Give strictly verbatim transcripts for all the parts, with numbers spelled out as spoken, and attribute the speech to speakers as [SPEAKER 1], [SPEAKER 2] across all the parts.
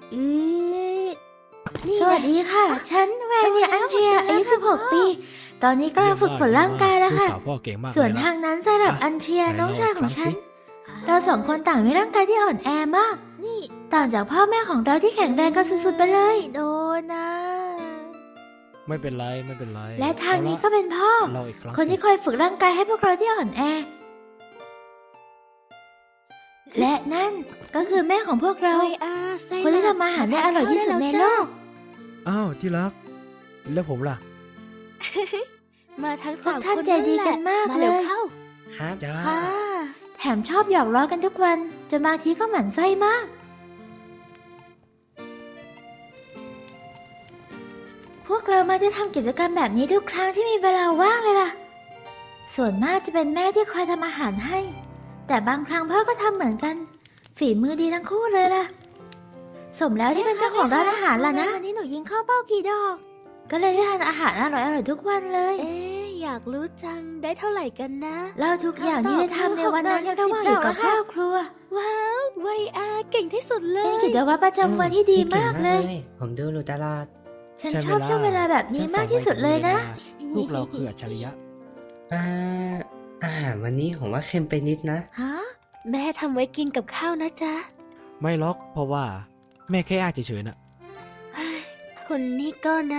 [SPEAKER 1] อือ
[SPEAKER 2] สวัสดีค่ะ ฉันแวนเนียอันเดรียอายุสิบหกปี ตอนนี้กำลังฝึกฝนร่างกายแล้วค่ะ ส่วนทางนั้นสำหรับอันเดรียน้องชายของฉัน เราสองคนต่างมีร่างกายที่อ่อนแอมาก นี่ต่างจากพ่อแม่ของเราที่แข็งแรงกันสุดๆไปเลย โดนนะ
[SPEAKER 1] ไม่เป็นไรไม่เป็นไร
[SPEAKER 2] และทางนี้ก็เป็นพ่อ คนที่คอยฝึกร่างกายให้พวกเราที่อ่อนแอ และนั่นก็คือแม่ของพวกเรา คนที่ทำอาหารได้อร่อยที่สุดในโลก
[SPEAKER 1] อ้าวที่รักแล้วผมล่ะ
[SPEAKER 3] มาทั้ง
[SPEAKER 2] พว
[SPEAKER 3] สาก ม
[SPEAKER 2] ท่าน
[SPEAKER 3] คน
[SPEAKER 2] ใจดีกันมาก
[SPEAKER 3] มา
[SPEAKER 2] เล
[SPEAKER 3] เร็วย เข้า
[SPEAKER 1] ครับจ้า
[SPEAKER 2] ค่ะ แถมชอบหยอกล้อกันทุกวันจนบางทีก็หมั่นไส้มาก พวกเรามาจะทำกิจกรรมแบบนี้ทุกครั้งที่มีเวลาว่างเลยล่ะ ส่วนมากจะเป็นแม่ที่คอยทำอาหารให้ แต่บางครั้งพ่อก็ทำเหมือนกัน ฝีมือดีทั้งคู่เลยล่ะ สมแล้วที่เป็นเจ้าของร้านอาหารล่ะนะวันนี้หนูยิงเข้าเป้ากี่ดอก ก็เลยได้ทานอาหารอร่อยๆทุกวันเลย
[SPEAKER 3] เอ๊ะอยากรู้จังได้เท่าไหร่กันนะ
[SPEAKER 2] เล่าทุกอย่างที่ได้ทำในวันนั้นระหว่างอยู่กับครอบครัว
[SPEAKER 3] ว้าวไวอาเก่งที่สุดเล
[SPEAKER 2] เป็น
[SPEAKER 3] ย
[SPEAKER 2] กิจวัตรประจำวันที่ดีมากเลย
[SPEAKER 4] ผมดูอยู่ตลอด
[SPEAKER 2] ฉันชอบช่วงเวลาแบบนี้มากที่สุดเลยนะ
[SPEAKER 1] พวกเราคืออัจฉริยะ
[SPEAKER 4] อ่า อาหารวันนี้ผมว่าเค็มไปนิดนะ
[SPEAKER 2] ฮะ
[SPEAKER 3] แม่ทำไว้กินกับข้าวนะจ๊ะ
[SPEAKER 1] ไม่ล็อกเพราะว่าแม่แค่อ้างเฉยๆน่ะ
[SPEAKER 3] คนนี้ก็นะ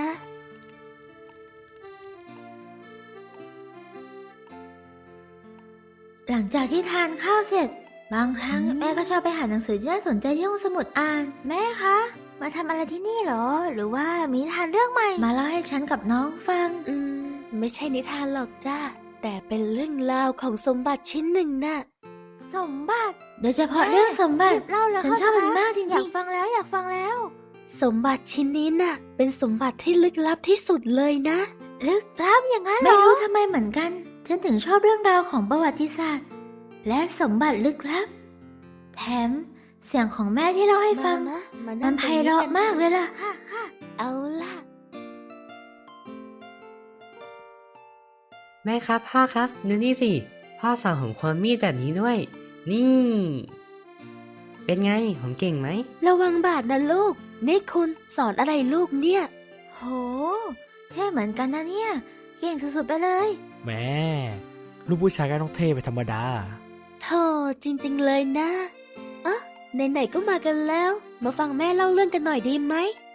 [SPEAKER 2] หลังจากที่ทานข้าวเสร็จ บางครั้งแม่ก็ชอบไปหาหนังสือที่น่าสนใจที่ห้องสมุดอ่าน แม่คะ มาทำอะไรที่นี่เหรอ หรือว่ามีนิทานเรื่องใหม่ มาเล่าให้ฉันกับน้องฟัง
[SPEAKER 3] อืม ไม่ใช่นิทานหรอกจ้าแต่เป็นเรื่องราวของสมบัติชิ้นหนึ่งน่ะ
[SPEAKER 2] สมบัติ โดยเฉพาะเรื่องสมบัติ
[SPEAKER 3] เล่าแล้ว
[SPEAKER 2] ฉันชอบมันมากจริงๆ
[SPEAKER 3] อยากฟังแล้วอยากฟังแล้ว สมบัติชิ้นนี้น่ะ เป็นสมบัติที่ลึกลับที่สุดเลยนะ
[SPEAKER 2] ลึกลับอย่างนั้นเหรอ ไม่รู้ทำไมเหมือนกัน ฉันถึงชอบเรื่องราวของประวัติศาสตร์ และสมบัติลึกลับ แถมเสียงของแม่ที่เล่าให้ฟัง
[SPEAKER 3] มานะมา
[SPEAKER 2] มั
[SPEAKER 3] นั่
[SPEAKER 2] น
[SPEAKER 3] ง
[SPEAKER 2] ไพ
[SPEAKER 3] ตรง
[SPEAKER 2] เราะ
[SPEAKER 3] กัน
[SPEAKER 2] มากเลยล่ะ
[SPEAKER 3] เอาล่ะ
[SPEAKER 4] แม่ครับพ่อครับดูนี่สิ พ่อสอนผมความมีดแบบนี้ด้วย นี่ เป็นไง ผมเก่งไหม
[SPEAKER 3] ระวังบาดนะลูก นี่คุณสอนอะไรลูกเนี่ย
[SPEAKER 2] โหเท่เหมือนกันนะเนี่ย เก่งสุดๆไปเลย
[SPEAKER 1] แม่ลูกผู้ชายก็ต้องเท่ไปธรรมดา
[SPEAKER 3] โธ่จริงๆเลยนะอ่ะไหนๆก็มากันแล้ว มาฟังแม่เล่าเรื่องกันหน่อยดีไหม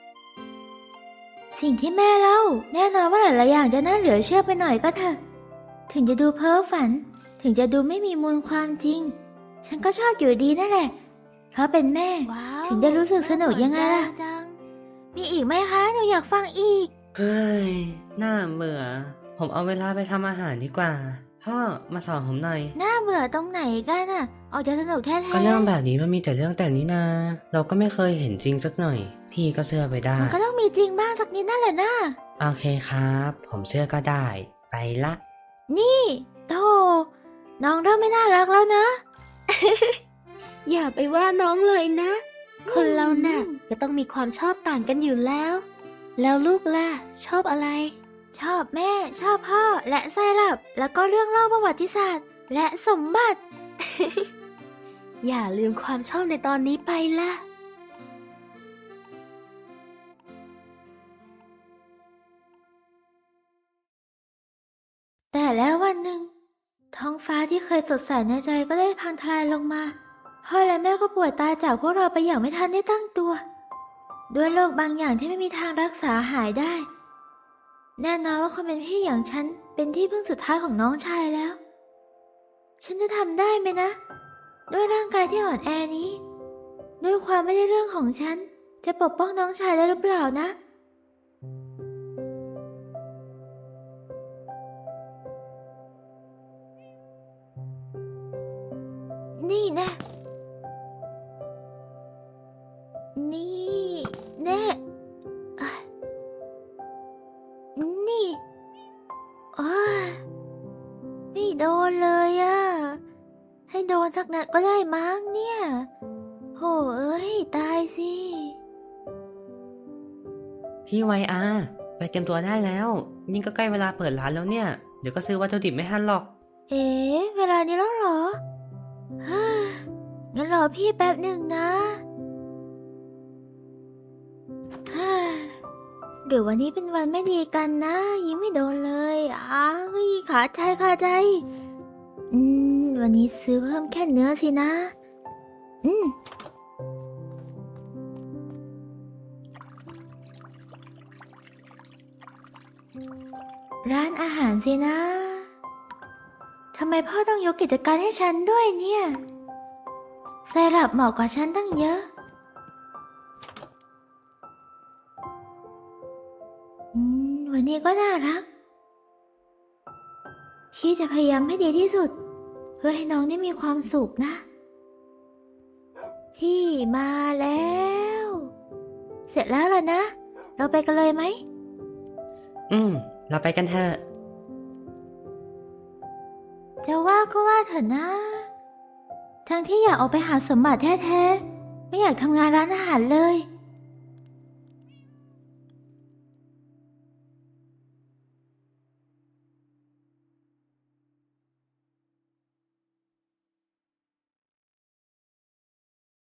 [SPEAKER 2] สิ่งที่แม่เล่า แน่นอนว่าหลายๆอย่างจะน่าเหลือเชื่อไปหน่อยก็เถอะ ถึงจะดูเพ้อฝัน ถึงจะดูไม่มีมูลความจริง ฉันก็ชอบอยู่ดีนั่นแหละ เพราะเป็นแม่ ถึงได้รู้สึกสนุกยังไงล่ะ มีอีกไหมคะ หนูอยากฟังอีก
[SPEAKER 4] เฮ้ย น่าเบื่อ ผมเอาเวลาไปทำอาหารดีกว่า พ่อมาสอนผมหน่อย
[SPEAKER 2] น่าเบื่อตรงไหนกันอ่ะ ออกจะสนุกแท้ๆ
[SPEAKER 4] ก็เรื่องแบบนี้มันมีแต่เรื่องแต่นี้นา เราก็ไม่เคยเห็นจริงสักหน่อย พี่ก็เชื่อไปได้
[SPEAKER 2] มันก็ต้องมีจริงบ้างสักนิดนั่นแหละนะ
[SPEAKER 4] โอเคครับ ผมเชื่อก็ได้ ไปละ
[SPEAKER 2] นี่โธ่น้องเริ่มไม่น่ารักแล้วนะ
[SPEAKER 3] อย่าไปว่าน้องเลยนะ คนเราน่ะก็ต้องมีความชอบต่างกันอยู่แล้ว แล้วลูกล่ะ ชอบอะไร
[SPEAKER 2] ชอบแม่ ชอบพ่อ และไซรัปแล้วก็เรื่องเล่าประวัติศาสตร์ และสมบัติ
[SPEAKER 3] อย่าลืมความชอบในตอนนี้ไปล่ะ
[SPEAKER 2] แต่แล้ววันหนึ่ง ท้องฟ้าที่เคยสดใสในใจก็ได้พังทลายลงมาพ่อและแม่ก็ป่วยตายจากพวกเราไปอย่างไม่ทันได้ตั้งตัว ด้วยโรคบางอย่างที่ไม่มีทางรักษาหายได้ แน่นอนว่าคนเป็นพี่อย่างฉันเป็นที่พึ่งสุดท้ายของน้องชายแล้ว ฉันจะทำได้ไหมนะ ด้วยร่างกายที่อ่อนแอนี้ ด้วยความไม่ได้เรื่องของฉันจะปกป้องน้องชายได้หรือเปล่านะ นี่แน่นี่แน่อ่ะนี่โอ้ยไม่โดนเลยอะให้โดนสักนัดก็ได้มั้งเนี่ยโหเอ้ยตายสิ
[SPEAKER 4] พี่ไวอาไปเตรียมตัวได้แล้ว ยิ่งก็ใกล้เวลาเปิดร้านแล้วเนี่ย เดี๋ยวก็ซื้อวัตถุดิบไม่ทันหรอก
[SPEAKER 2] เอ๊ะเวลานี้แล้วเหรอเฮ้ยงั้นรอพี่แป๊บหนึ่งนะหรือวันนี้เป็นวันไม่ดีกันนะ ยิงไม่โดนเลยอ้าวขาใจขาใจ อืม วันนี้ซื้อเพิ่มแค่เนื้อสินะ อืม ร้านอาหารสินะ ทำไมพ่อต้องยกกิจการให้ฉันด้วยเนี่ยไซรัปเหมาะกว่าฉันตั้งเยอะ อืม วันนี้ก็น่ารัก พี่จะพยายามให้ดีที่สุด เพื่อให้น้องได้มีความสุขนะ พี่มาแล้ว เสร็จแล้วล่ะนะ เราไปกันเลยไหม
[SPEAKER 4] อืม เราไปกันเถอะ
[SPEAKER 2] จะว่าก็ว่าเถอะนะ ทั้งที่อยากออกไปหาสมบัติแท้ๆ ไม่อยากทำงานร้านอาหารเลย